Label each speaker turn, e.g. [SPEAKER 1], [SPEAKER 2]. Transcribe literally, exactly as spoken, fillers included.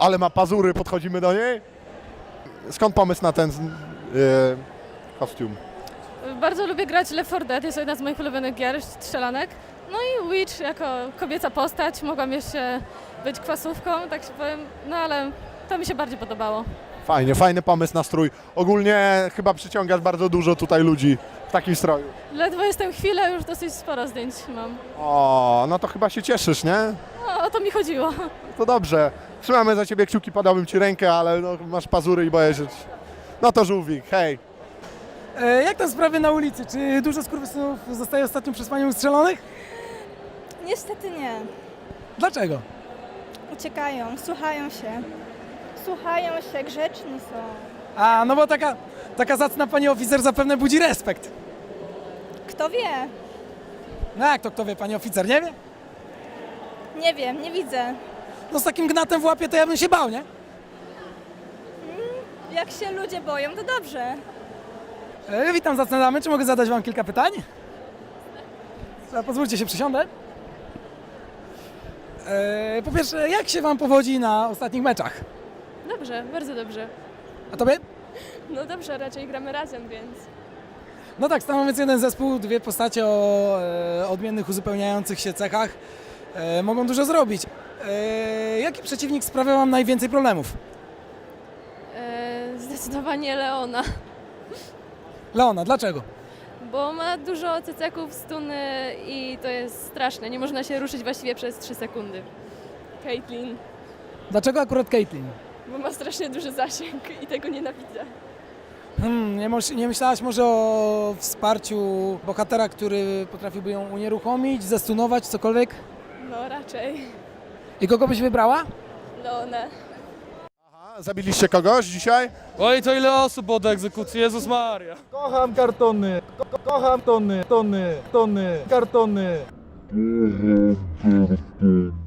[SPEAKER 1] ale ma pazury, podchodzimy do niej. Skąd pomysł na ten yy, kostium?
[SPEAKER 2] Bardzo lubię grać Left four Dead, jest to jedna z moich ulubionych gier, strzelanek. No i Witch jako kobieca postać, mogłam jeszcze być kwasówką, tak się powiem, no ale to mi się bardziej podobało.
[SPEAKER 1] Fajnie, fajny pomysł na strój. Ogólnie chyba przyciągasz bardzo dużo tutaj ludzi w takim stroju.
[SPEAKER 2] Ledwo jestem chwilę, już dosyć sporo zdjęć mam.
[SPEAKER 1] O, no to chyba się cieszysz, nie?
[SPEAKER 2] No, o to mi chodziło.
[SPEAKER 1] To dobrze. Trzymamy za ciebie kciuki, podałbym ci rękę, ale no, masz pazury i boję się. No to żółwik, hej.
[SPEAKER 3] E, jak tam sprawy na ulicy? Czy dużo skurwysynów zostaje ostatnio przez panią ustrzelonych?
[SPEAKER 4] Niestety nie.
[SPEAKER 3] Dlaczego?
[SPEAKER 4] Uciekają, słuchają się. Słuchają się, grzeczni są.
[SPEAKER 3] A, no bo taka, taka zacna pani oficer zapewne budzi respekt.
[SPEAKER 4] Kto wie?
[SPEAKER 3] No jak to kto wie, pani oficer, nie wie?
[SPEAKER 4] Nie wiem, nie widzę.
[SPEAKER 3] No z takim gnatem w łapie to ja bym się bał, nie?
[SPEAKER 4] Jak się ludzie boją, to dobrze.
[SPEAKER 3] E, witam zacne damy, czy mogę zadać wam kilka pytań? E, pozwólcie się, przysiądę. E, po pierwsze, jak się wam powodzi na ostatnich meczach?
[SPEAKER 2] Dobrze, bardzo dobrze.
[SPEAKER 3] A tobie?
[SPEAKER 2] No dobrze, raczej gramy razem, więc...
[SPEAKER 3] No tak, stanowiąc jeden zespół, dwie postacie o e, odmiennych, uzupełniających się cechach e, mogą dużo zrobić. E, jaki przeciwnik sprawia wam najwięcej problemów?
[SPEAKER 2] E, zdecydowanie Leona,
[SPEAKER 3] Leona, dlaczego?
[SPEAKER 2] bo ma dużo cecaków, stuny i to jest straszne, nie można się ruszyć właściwie przez trzy sekundy. Caitlyn,
[SPEAKER 3] Dlaczego akurat Caitlyn?
[SPEAKER 2] bo ma strasznie duży zasięg i tego nienawidzę.
[SPEAKER 3] Hmm, nie, moż- nie myślałaś może o wsparciu bohatera, który potrafiłby ją unieruchomić, zastunować, cokolwiek?
[SPEAKER 2] No raczej
[SPEAKER 3] I kogo byś wybrała?
[SPEAKER 2] Leonę.
[SPEAKER 1] Aha, zabiliście kogoś dzisiaj?
[SPEAKER 5] Oj, to ile osób od egzekucji, Jezus Maria.
[SPEAKER 6] Kocham kartony, ko kocham tony, tony, tony, kartony.
[SPEAKER 7] Mhm, mhm.